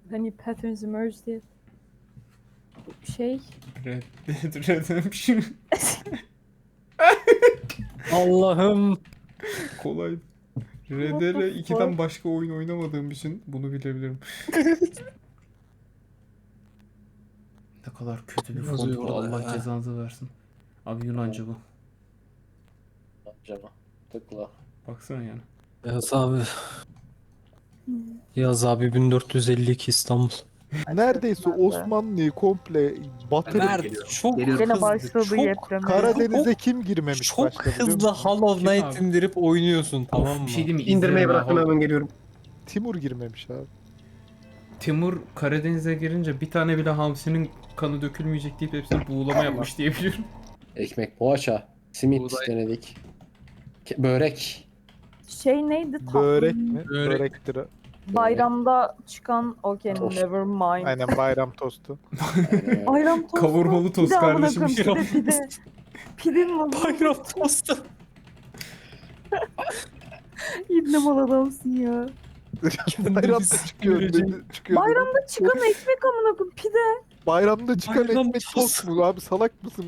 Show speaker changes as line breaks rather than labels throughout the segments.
Hani patterns emerge diye. Şey.
Red Dead Redemption.
Allah'ım.
Kolay.
What the
RDR 2'den
fuck?
başka oyun oynamadığım için bunu bilebilirim. Ne kadar kötü bir
Yazıyor
font bu.
orada
Allah
ya.
cezanızı versin. Abi Yunanca bu.
Canım. Tıkla.
Baksana yani.
Yaz abi. Yaz abi 1452 İstanbul.
Neredeyse Osmanlı'yı komple batırıp
Mert çok
Gene
hızlı.
başladı
Çok,
yeprem.
Karadeniz'e kim girmemiş
çok
başta biliyor
hızlı
musun?
Hollow
Kim
Knight
abi?
indirip oynuyorsun tamam
Of,
mı?
bir şey değil mi?
İndirmeyi
İzlerim
bıraktım
ha.
hemen geliyorum.
Timur girmemiş abi.
Timur Karadeniz'e girince bir tane bile hamsinin kanı dökülmeyecek deyip hepsini buğulama yapmış diyebilirim.
Ekmek, poğaça, simit
Buğday.
denedik. Börek.
Şey neydi?
Börek mi?
Börek.
Börektir.
Bayramda çıkan okay
Tost.
never mind.
Aynen bayram tostu.
Bayram tostu.
Kavurmalı tost
Bir de amına
kardeşim.
koyayım, pide. Pidenin adı.
Bayram tostu.
İbne mal adamsın ya.
Bayramda çıkıyor. çıkıyor
Bayramda çıkan ekmek amına koyayım pide.
Bayramda çıkan
Bayram
ekmek
tostu.
tost mu? Abi salak mısın?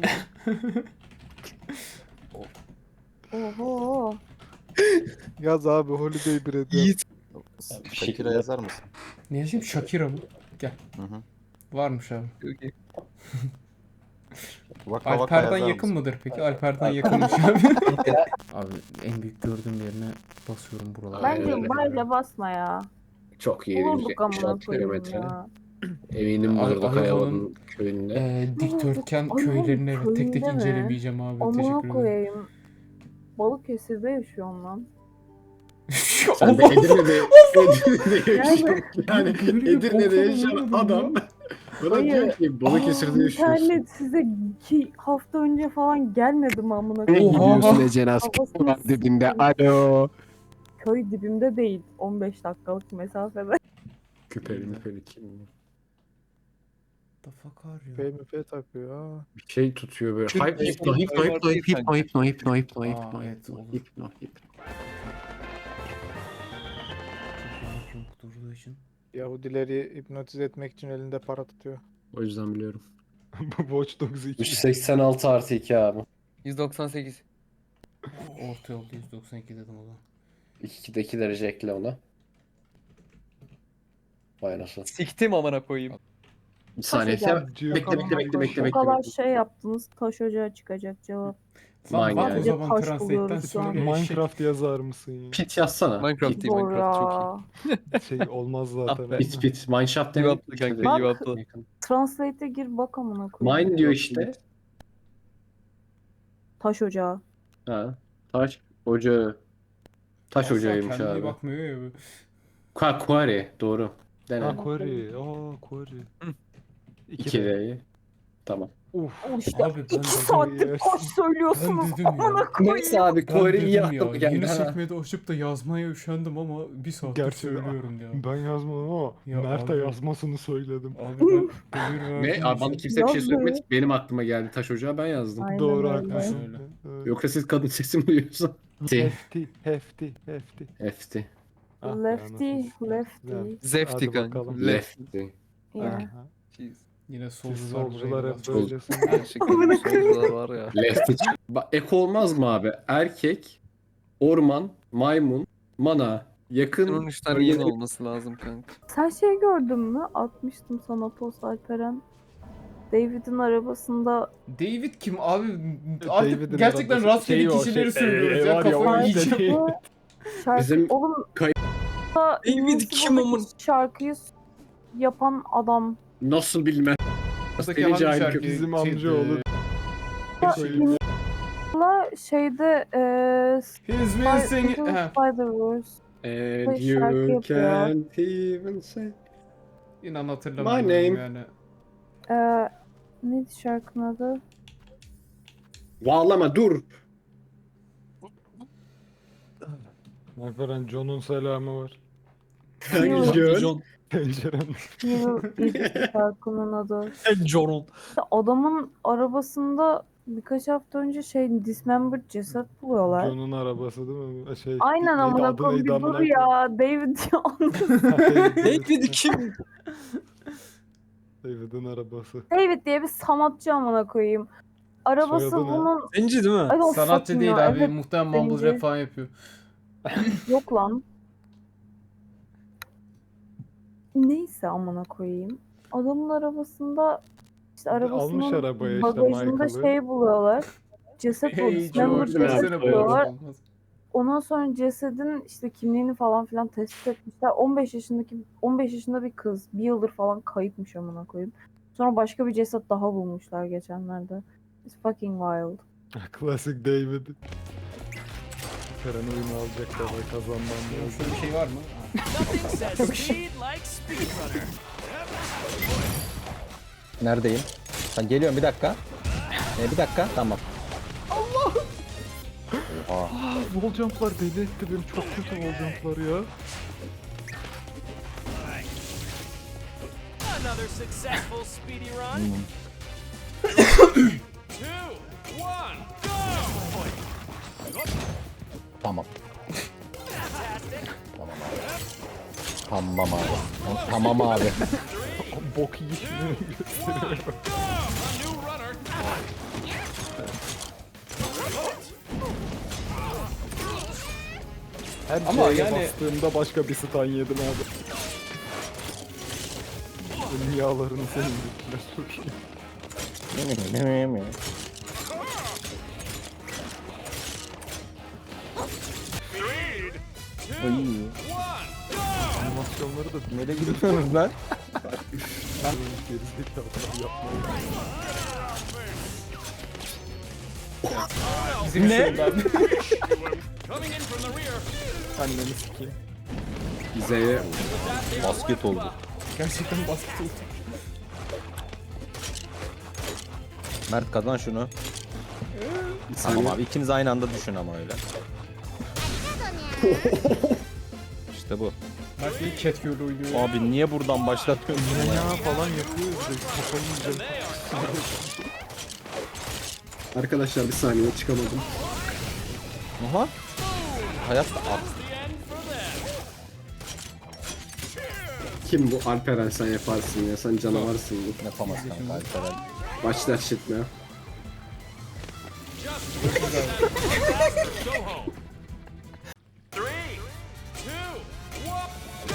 Oho.
Yaz abi holiday bread. yaz.
Yiğit.
Shakira yazar mısın?
Ne yazayım? Shakira mı? Gel.
Hı hı.
Varmış abi.
Vaka vaka
Alper'den
yazar
yakın
mısın?
mıdır peki? Alper'den yakınmış abi. Abi en büyük gördüğüm yerine basıyorum buralara.
Bence
öyle.
bayla basma ya.
Çok iyi.
Bulduk amına
76
koyayım
kilometre.
ya.
Eminim
Ay-
burada
Ayvalık'ın-
Kayava'nın köyünde.
Dikdörtgen
Ay,
köylerini evet tek tek
köyünde mi?
incelemeyeceğim abi.
Amına
Teşekkür ederim.
koyayım. Balıkesir'de yaşıyorum lan.
Sen de
Allah!
Edirne'de, Edirne'de yaşıyorsun. Yani
Böyle
Edirne'de
boktan
yaşayan
olmadım
adam bana
Hayır.
diyor ki Balıkesir'de yaşıyorsun.
İnternet size 2 hafta önce falan gelmedi mi amına
Ne
koyayım?
gidiyorsun Ece Naz?
Havasını
Var dibinde.
s**eyim.
Alo.
Köy dibimde değil. 15 dakikalık mesafede.
Küpeli müpeli kim?
The fuck are you?
PMP takıyor ha.
Bir şey tutuyor böyle.
Türk
Hypno,
Hipno,
hypno, hypno, hypno, hypno, hypno, hypno,
Aa,
hypno,
evet,
hypno,
olur.
hypno, hypno.
Çok durduğu için.
Yahudileri hipnotize etmek için elinde para tutuyor.
O yüzden biliyorum.
Watch Dogs 2.
386 artı 2 abi.
198.
Orta yolda 192 dedim o zaman.
2'deki derece ekle ona. Vay nasıl.
Siktim amına koyayım.
Bir saniye.
Taşıyacağım.
Bekle.
O kadar şey yaptınız. Taş ocağı çıkacak cevap.
Lan
Mine
bak o
yani.
zaman
Taş
Translate'den
buluyoruz şu an.
söyle eşek.
Minecraft yazar mısın ya?
Pit yazsana.
Minecraft
Pit,
değil
Zor
Minecraft çok iyi.
ya.
Şey olmaz zaten.
Ah be.
pit. Mineshaft
Give
demek.
up'lı kanka
Bak.
give up'lı.
Translate'e gir bak amına koyayım.
Mine diyor işte.
Taş ocağı.
Ha. Taş ocağı. Taş
Aslan
ocağıymış
kendine
abi.
bakmıyor ya.
Quarry doğru. Dene.
Ha Quarry. Quarry.
2D'yi. Tamam.
Uf.
Al işte
Abi ben
2
dedim
saattir
ya.
taş söylüyorsunuz.
Ben dedim ya.
Amına koyayım.
Neyse abi
Ben
Quarry'yi
dedim
yaptım
ya,
geldi.
yeni
ha.
sekmede açıp da yazmaya üşendim ama bir saattir
Gerçi
söylüyorum ya.
Ben yazmadım ama
Ya
Mert'e
abi.
yazmasını söyledim.
Abi ben buyur
Ne?
verdiğin
Abi bana
için-
kimse bir şey
Yazdı.
söylemedi. Benim aklıma geldi taş ocağı ben yazdım.
Aynen
Doğru
öyle.
haklısın.
Öyle.
Evet.
Yoksa siz kadın sesi mi duyuyorsun?
Hefti.
Hefti.
Ah be,
Lefty,
anasını
lefty.
satayım.
Zefti
Hadi
kanka.
bakalım.
Lefty.
Yeah.
Aha.
Yine
Siz
solcular
solcular
burayı
hep
biraz-
böylesiniz.
Gerçekten bu solcular var ya.
Lefty. Ek olmaz mı abi? Erkek, orman, maymun, mana. Yakın.
Bunun 3 tane yeni olması lazım kanka.
Sen şey gördün mü? Atmıştım sana post Alperen. David'in arabasında
David kim abi? Artık
David'in
gerçekten
arabası-
rastgele
şey o,
kişileri
şey,
söylüyoruz ya
var ya, o
kafayı
işte
yiyeceğim.
şey-
şarkı...
Bizim
Oğlum
kay-
David
kim amın-
şarkıyı yapan adam.
Nasıl bilmem.
Buradaki
Seni
hangi
cahil
şarkı?
köpek.
Bizim
Şey,
amcaoğlu.
La şeyde
He's been singing... Ha,
Spider-Verse.
And
Şey, şarkı
you
yapıyor.
can't even say.
inan hatırlamıyorum
My name.
yani.
Neydi şarkının adı?
Bağlama dur.
Alperen John'un selamı var.
Hangi John?
Pencerem.
Neydi şarkının adı?
John.
İşte adamın arabasında birkaç hafta önce şey dismembered ceset buluyorlar.
John'un arabası değil mi? Şey,
Aynen
neydi,
amına
adı
koyayım
neydi
bir
amına
dur ya. David ya.
koyayım?
David kim?
David'in arabası.
David diye bir sanatçı amına koyayım. Arabası
Soyadı ne?
bunun...
Zenci değil mi?
I don't
Sanatçı
fucking
değil
know.
abi.
Evet,
Muhtemelen mumble
zenci.
rap falan yapıyor.
yok lan. Neyse amına koyayım. Adamın arabasında işte
Almış
arabasının
arabaya işte
bagajında
Michael'ı.
şey buluyorlar. Ceset
Hey
buluyorlar.
George
George,
Ceset
versene
buluyorlar.
bu olmaz.
Ondan sonra cesedin işte kimliğini falan filan tespit etmişler. 15 yaşında bir kız. Bir yıldır falan kayıpmış amına koyayım. Sonra başka bir ceset daha bulmuşlar geçenlerde. It's fucking wild.
Klasik David. Karen oyunu alacaklar ve kazanmam lazım.
Şöyle bir şey var mı?
Nothing says speed like speedrunner.
Neredeyim? Ben geliyorum bir dakika. Bir dakika tamam.
Oha.
Wall jump'lar deli etti beni. Çok kötü wall jump'lar ya.
Another successful speedy run. 2, 1, go!
Tamam.
Fantastic.
Tamam abi. Tamam abi.
Bok yiyişini gösteriyor.
Go! A new runner.
Her
Ama
şeye
yani-
bastığımda başka bir stun yedim abi. Ölüm yağlarını senin gittiler çok iyi.
Speed. 2, 1,
Animasyonları da
Nereye gidiyorsunuz lan?
gerizekalılar yapmayı.
Bizim ne?
coming in from the rear.
Anneni sikeyim.
Z'ye
Basket oldu.
Gerçekten basket oldu.
Mert kazan şunu.
bir
Tamam
saniye.
abi ikiniz aynı anda düşün ama öyle. İşte bu.
Mert bir cat girl oynuyor. ya.
Abi niye buradan başlatıyorsun?
Ya falan yapıyoruz da kafayı yiyeceğim.
Arkadaşlar bir saniye çıkamadım.
Aha. Hayatta at.
The end for them.
Kim bu Alperen, sen yaparsın ya, sen canavarsın bu.
Yapamaz kanka Alperen.
Başlar şitmeye.
Go home. 3, 2, 1, go!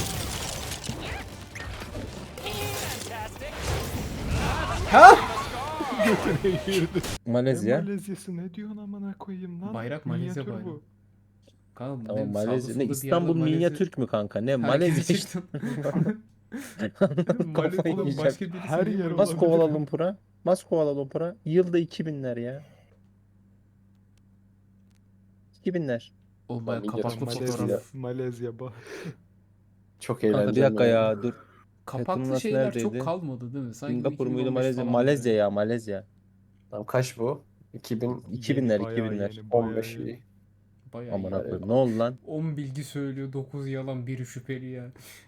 Fantastic.
Malezya.
Malezya'sı ne diyorsun amına koyayım lan?
Bayrak Malezya
Minyatür
bayrağı.
bu.
Kanka,
Tamam
benim sağda
Malezya.
solda
Ne
bir
İstanbul
yerde Malezya-
minyatürk mü kanka? Ne
Ha,
Malezya işte.
gerçekten. Malezya
Kafayı
oğlum,
yiyeceğim.
başka birisi
Her
değil
yer
mi?
olabilir.
Bas Kuala Lumpur'a. Bas Kuala Lumpur'a. Yılda 2000'ler ya. 2000'ler.
Oğlum bayağı kapaklı
Malezya.
fotoğraf.
Malezya bak.
Çok
Kanka
eğlenceli.
bir dakika ya dur.
Kapaklı
Fethullah'ın
şeyler
neredeydi?
çok kalmadı değil mi? Sanki
Singapur muydu
2015
Malezya?
falan
Malezya
yani.
ya Malezya.
Tamam, kaç bu? 2000
2000'ler
Bayağı
2000'ler.
yeni, bayağı
15
yeni.
iyi.
Bayağı
Aman
iyi.
akıllım. Ne oldu lan?
10 bilgi söylüyor, 9 yalan, biri şüpheli ya.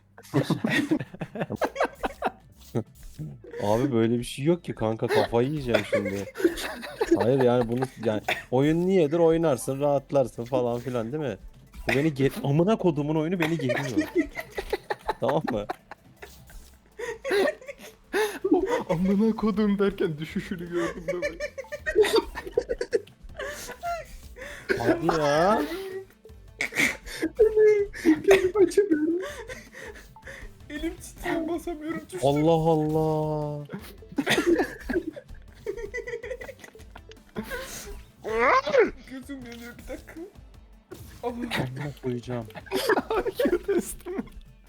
Abi böyle bir şey yok ki kanka kafayı yiyeceğim şimdi. Hayır yani bunu yani oyun niyedir oynarsın rahatlarsın falan filan değil mi? Bu beni amına kodumun oyunu beni geriyor. Tamam mı?
Amına kodum derken düşüşünü gördüm de ben.
Hadi ya.
Elim titriyor, basamıyorum tuşlara.
Allah Allah.
Gözüm yanıyor, bir dakika.
Amına koyacağım.
Testim.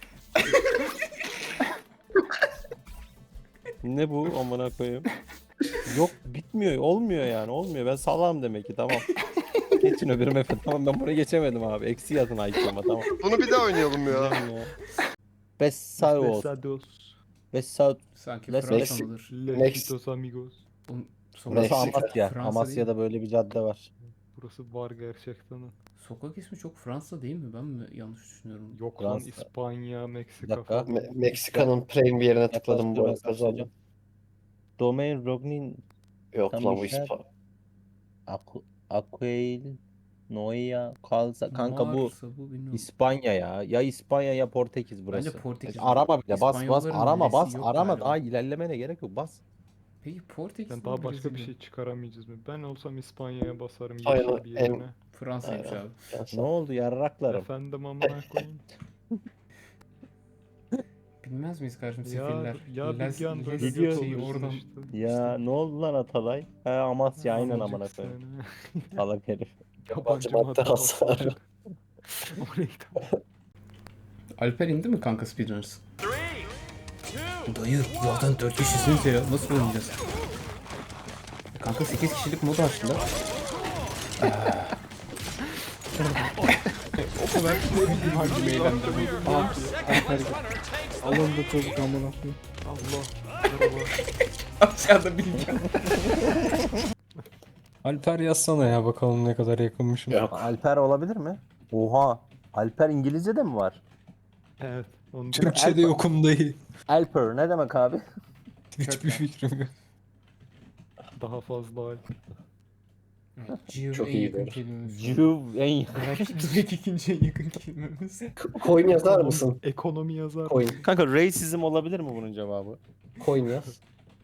Ne bu amına koyayım? Yok bitmiyor olmuyor yani olmuyor ben salam demek ki tamam. Geçin öbür mefe tamam ben buraya geçemedim abi eksi yazın IQ'ma tamam.
Bunu bir daha oynayalım ya.
Güzel ya. Besaos.
Besados.
Besaos.
Sanki
Let's-
Fransalıdır.
Lejitos amigos.
Bunun
Burası
Meksika.
Amasya.
Fransa
Amasya'da böyle bir cadde var.
Burası var gerçekten.
Sokak ismi çok Fransa değil mi? Ben mi yanlış düşünüyorum?
Yok lan
Fransa.
İspanya,
Bir
Meksika
dakika.
falan.
Meksika'nın prime yerine tıkladım bu arada
Yaklaştırma
kazandım.
söyleyeceğim. Domain Rognin
Yok lan bu
Kamışlar.
İspan.
Aquail Noia, Kalsa. Kanka bu
Marsa bu bilmiyorum.
İspanya ya. Ya İspanya ya Portekiz burası.
Bence Portekiz.
Arama bile bas
İspanyolların
arama
L'si yok
arama
galiba.
daha ilerlemene gerek yok bas.
Peki Portekiz
Ben
mi,
daha başka bir
Brezilya?
şey çıkaramayacağız mı? Ben olsam İspanya'ya basarım
Aynen,
yeşil bir yerine.
Fransa'ymış abi.
Ne oldu yarraklarım?
Efendim amına koyayım.
Bilmez miyiz kardeşim
Ya,
sefiller?
ya bilgen böyle
Biliyor
göt
şeyi
oluyorsun
oradan.
işte.
Ya ne oldu lan Atalay? He Amasya aynen amına
Amacık
koyayım.
seni.
Salak herif.
Yabancı madde hasarı.
O neydi?
Alper indi mi kanka Speedrunners?
3, 2,
Dayı zaten 4 kişisiniz ya. Nasıl oynayacağız? Kanka 8 kişilik mod açtılar. O kadar ne bileyim hacim eğlendim.
Alın da çocuk amına koyayım. Allah. Merhaba.
Aşağıda bilgi.
Alper yazsana ya bakalım ne kadar yakınmışım.
Ya.
Alper olabilir mi? Oha. Alper İngilizce de mi var?
Evet. Onu
Türkçe'de yokum dayı.
Alper ne demek abi?
Hiçbir fikrim yok.
daha fazla al.
Çok
iyi
yakın
böyle.
kelimemiz.
Juv en
Direkt ikinci en yakın kelimemiz.
Coin yazar mısın?
Ekonomi yazar.
Coin.
Kanka racism olabilir mi bunun cevabı?
Coin yaz.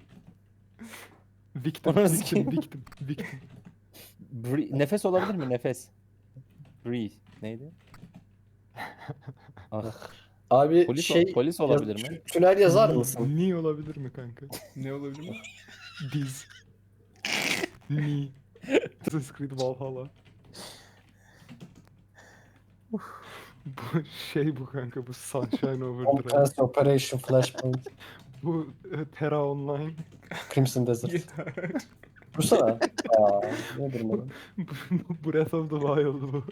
Victim,
Orası
victim,
kim?
victim, victim.
Nefes olabilir mi? Nefes. Breathe. Neydi? Ah.
Abi
Polis,
şey
polis olabilir mi?
tünel yazar mısın?
Ni olabilir mi kanka?
Ne olabilir mi?
Diz. Ni. Assassin's Creed Valhalla. Bu şey bu kanka bu Sunshine Overdrive.
Compense Operation Flashpoint.
Bu Terra Online.
Crimson Desert.
Yeter.
Dursana. Aa, nedir bu?
Bu Breath of the Wild bu.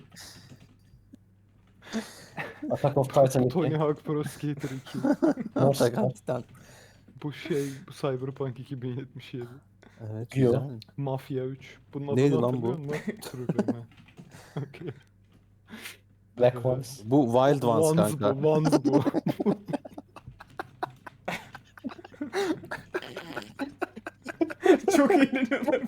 Attack of Titan
Tony
2.
Hawk Pro Skater 2.
Mortal Kombat.
Bu şey bu Cyberpunk 2077.
Evet.
Yo.
güzel.
Mafya 3. Bunun adını
Neydi lan bu?
hatırlıyor musun? Dur bakayım ha. Okey.
Black Ones.
Bu Wild Ones kanka.
Bu, Ones bu.
Çok eğleniyorlar.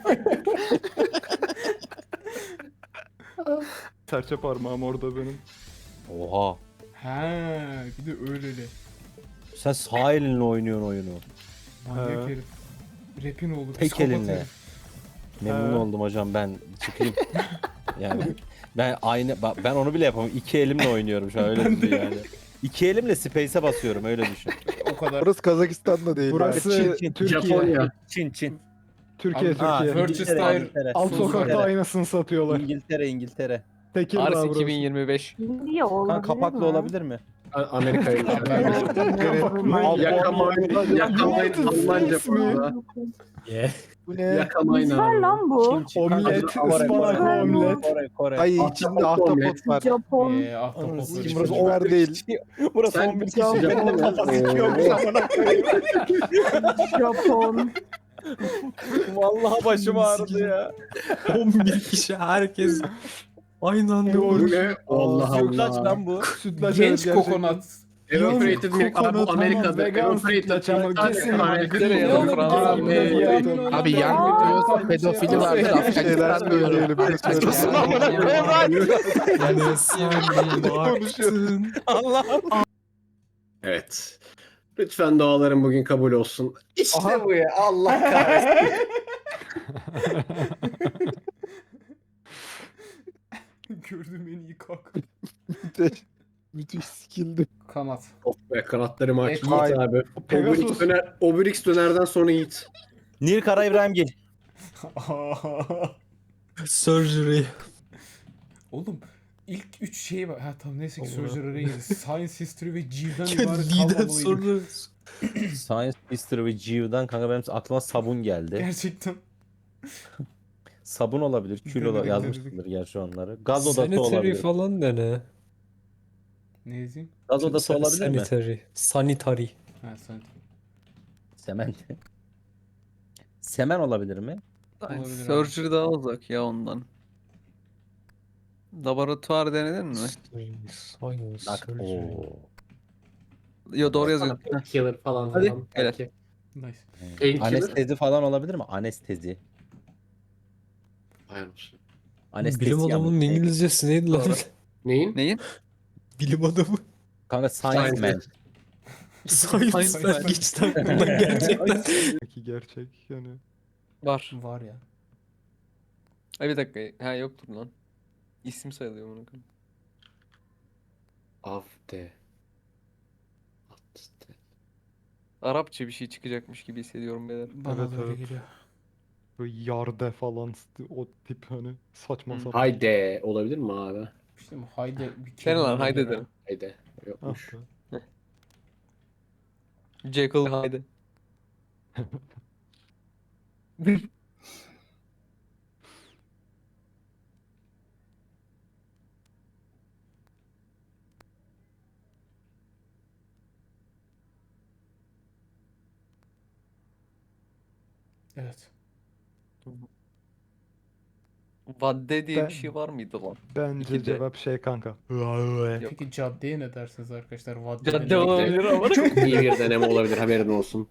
Serçe parmağım orada benim.
Oha.
Ha, bir de öyleli.
Sen sağ elinle oynuyorsun oyunu.
Manyak
He.
herif. Rap'in oğlu.
Tek
psikopat
elinle.
herif.
Memnun
Ha.
oldum hocam ben çıkayım. Yani ben onu bile yapamam. İki elimle oynuyorum şu an öyle düşün yani. İki elimle space'e basıyorum öyle düşün.
O kadar.
Burası Kazakistan da değil. Burası
Çin.
Türkiye.
Japonya.
Çin.
Türkiye,
Ha,
Türkiye.
Worcester.
Alt sokakta aynasını satıyorlar.
İngiltere.
Tekirdağ
Ars
burası.
2025.
Hindiye olabilir
Kanka kapaklı
mi?
olabilir mi?
Amerika'ya.
Yakamayın.
Yakamayın. Yakamayın. Almanca bu arada.
Bu ne?
Yakamayın
Ver
abi.
lan bu.
Omlet, ıspanaklı omlet.
Kore.
Ay içinde ahtapot var.
Japon.
Ahtapot
Sikeyim,
var.
burası Ömer değil.
Burası
Sen
11
bir
kişi.
şey
Benim de kafası sıkıyormuş amına koyayım.
Japon.
Vallahi başım ağrıdı ya.
11 kişi herkes aynı anda
Bu
vurur.
ne? Allah
Sütlaç
Allah.
lan bu.
Sütlaç
Genç
evet,
kokonat.
Evaporated milk. Abi bu Amerika'da.
vegan
Evaporated
sütlaç ama
milk.
kesin
İngiltere ya da
Oğlum,
Fransa.
abi,
Abi yan gidiyorsa pedofili vardır Afganistan diyorum.
Yani sen baktın.
Allah'ım.
Evet. Lütfen dualarım bugün kabul olsun. İşte
Aha.
bu ya. Allah kahretsin.
Gördüğüm en iyi kalk.
Müthiş skilldi.
Kanat.
Of be kanatlarımı aç.
Evet,
Yiğit
hayır.
abi.
Pegasus.
Obelix dönerden sonra Yiğit.
Nil Kara İbrahim Gil.
Surgery.
Oğlum ilk 3 şey var. Ha tamam neyse ki Surgery'e girdi. Science History ve G'den
Ya
ibaret
Lee'den
kalmamalıydı.
sonra
Science History ve Geo'dan kanka benim aklıma sabun geldi.
Gerçekten.
Sabun olabilir, kül
Denedik,
olabilir. Yazmıştır gerçi onları. Gaz odası
sanitary
olabilir.
falan da ne?
Ne yazayım?
Gaz odası olabilir mi?
Sanitary. Sanitary.
Ha sanitary.
Semen. Semen olabilir mi?
Olabilir abi.
Surgery daha uzak ya ondan. Laboratuvar denedin mi?
Science.
Bak.
surgery.
Oo.
Yo doğru yazıyor.
Killer falan.
Hadi,
falan.
evet.
Belki.
Nice.
Painkiller.
Anestezi falan olabilir mi? Anestezi.
Hayır olsun.
Anestezi
Bilim adamının İngilizcesi neydi lan?
Neyin?
Neyin?
Bilim adamı.
Kanka science man.
Science man geçti aklımdan gerçekten.
Peki gerçek yani.
Var.
Var ya.
Ay bir dakika. Ha yoktur lan. İsim sayılıyor bunu.
Avde. Avde.
Arapça bir şey çıkacakmış gibi hissediyorum beyler.
Bana
Evet,
da öyle
evet.
geliyor.
Böyle yarde falan o tip hani saçma
Hı.
sapan.
Hayde olabilir mi abi?
İşte bu haydi bir
Sen
kelime
lan haydi
olur ya.
derim.
Hayde.
Ah
Yokmuş.
be.
Jekyll haydi.
Evet.
Vadde diye
Ben-
bir şey var mıydı lan?
Bence
İki de.
cevap şey kanka.
Yok.
Peki caddeye ne dersiniz arkadaşlar? Vadde'de
Cadde
ne-
olabilir ama.
Çok iyi bir deneme olabilir, haberin olsun.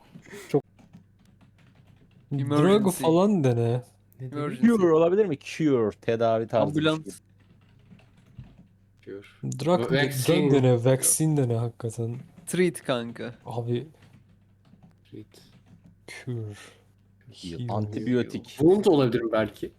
Drug
Emergency.
falan dene.
Ne dedi?
Emergency.
Cure olabilir mi? Cure. Tedavi tarzı bir şey.
Ambulans.
Diyor.
Drug
Vaccine.
dene, vaccine dene hakikaten.
Treat kanka.
Abi cure. Heal.
Antibiyotik.
Wound olabilir mi belki?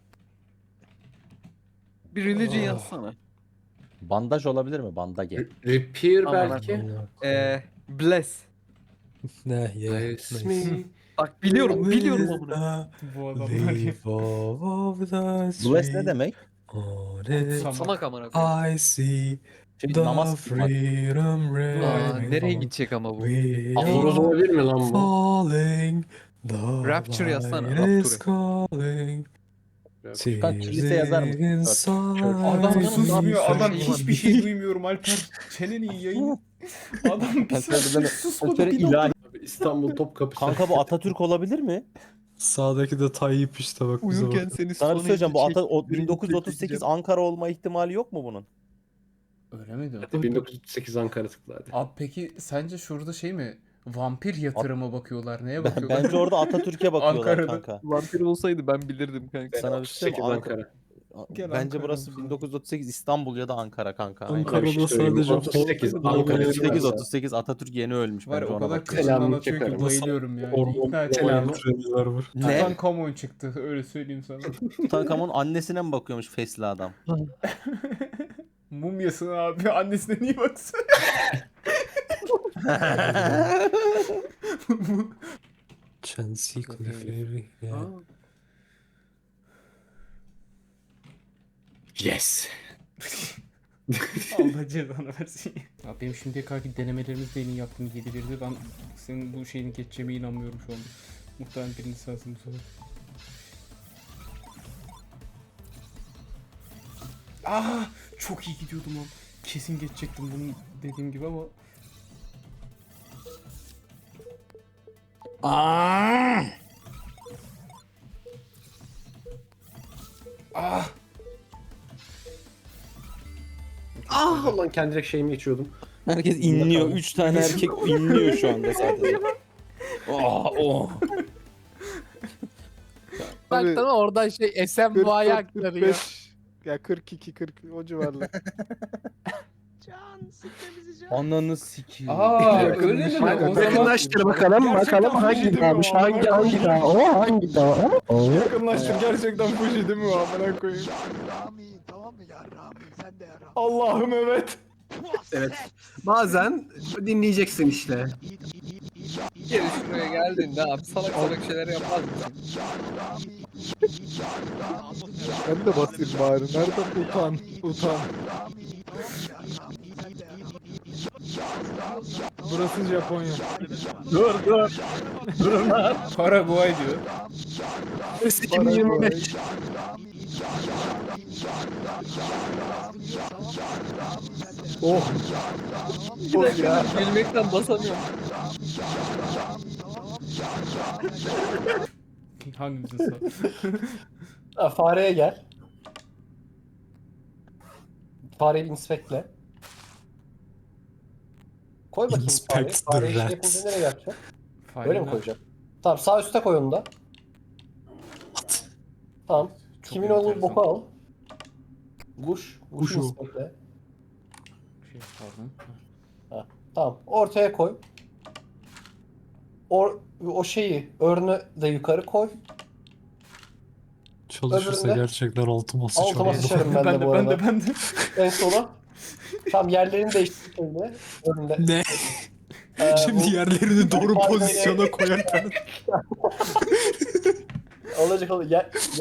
Bir religion
Ah.
yazsana.
Bandaj olabilir mi? Bandage.
Repair
Aman
belki.
Bless.
Ne ya.
Bless
Nice.
me.
Bak biliyorum amına.
Bu adamlar ya.
Bless ne demek?
Kutsama.
Samak amına koyayım.
I see
Şimdi
the
namaz kılmak.
freedom
Aa,
ring.
nereye gidecek ama bu?
We
Aforoz
are
olabilir mi lan bu?
falling. The
Rapture yazsana,
light is
Rapture.
calling.
Kanka kilise yazar mısın?
Inside
Adam
me.
susmuyor. Adam
Şey
hiçbir şey duymuyorum Alper. Çeneni yayın. Adam bir saat susmadı. Bir dakika.
ilahi.
Abi İstanbul Topkapısı.
Kanka bu Atatürk olabilir mi?
Sağdaki de Tayyip işte bak bize
Uyurken
bak.
seni
Sana bir şey söyleyeceğim. Bu
çektireyim,
1938
çekeceğim.
Ankara olma ihtimali yok mu bunun?
Öyle miydi?
1938 Ankara tıkla hadi.
Abi peki sence şurada şey mi? Vampir yatırıma bakıyorlar. Neye bakıyorlar?
Bence orada Atatürk'e bakıyorlar
Ankara'da.
kanka.
Vampir olsaydı ben bilirdim kanka.
Sana bir şey
38
söyleyeyim mi?
Ankara.
Gel
Bence
Ankara'dan
burası
sonra.
1938 İstanbul ya da Ankara kanka. Aynen.
Ankara'da
Bir şey söyleyeyim mi?
sadece
38 Ankara.
38 Atatürk yeni ölmüş.
Var ya
Bence
o
ona
kadar
bakıyorlar.
kıçından
Selamını
atıyor ki
çekerim.
bayılıyorum yani.
Hormon
İkna et
Selam.
beni.
treniler var.
Ne?
Tutankamon çıktı öyle söyleyeyim sana.
Tutankamon annesine mi bakıyormuş fesli adam?
Mumyasın abi annesine niye baksın?
Chelsea Clefairy. Ya.
Yes.
Allah cezanı versin. Abi benim şimdiye kadarki denemelerimizde en iyi yaptığım 7-1'di. Ben senin bu şeyini geçeceğime inanmıyorum şu an. Muhtemelen birinci sensin bu sefer. Ah, çok iyi gidiyordum lan. Kesin geçecektim bunu dediğim gibi ama. Ah.
Ah lan kendi direkt şeyimi içiyordum.
Herkes inliyor. 3 tane erkek inliyor şu anda zaten. Oh, oh.
Baktım oradan şey SMY'ye aktarıyor.
45 ya 42 40 o civarlar.
Ananı sikeyim.
Aa,
Evet.
öyle mi? O zaman
Yakınlaştır bakalım. Bakalım hangi dağmış? Hangi dağ? O hangi dağ?
Yakınlaştır gerçekten Fuji değil mi o amına koyayım? Allah'ım evet.
Evet. Bazen dinleyeceksin işte.
Geri şuraya geldiğinde abi salak salak şeyler yapmaz mısın?
Ben de basayım bari. Nereden utan. Burası Japonya.
Dur.
Paraguay diyor.
2025.
Oh.
Bir dakika gülmekten basamıyorum.
Hangimizi sağ?
Fareye gel. Fareyi inspektle. Koy bakayım fareyi.
Inspect the
Fareyi şey
rats.
yapınca nereye yapacaksın? Böyle mi
Fareler
koyacaksın? Tamam sağ üstte koy onu da. Tamam.
çok
Kimin olduğu
enteresan.
boku al.
Kuş.
Kuş
Kuşu
o.
inspekte.
Şey pardon.
Tamam. Ortaya koy. O şeyi örnü de yukarı koy.
Çalışırsa
Öbüründe-
gerçekten altıma
Altıma
sıçarım.
sıçarım ben de bu arada.
Ben de.
En sola. Tam yerlerini değiştir şimdi. Önünde.
Ne? Şimdi
bu-
yerlerini doğru
Aynen.
pozisyona koyarken
olacak.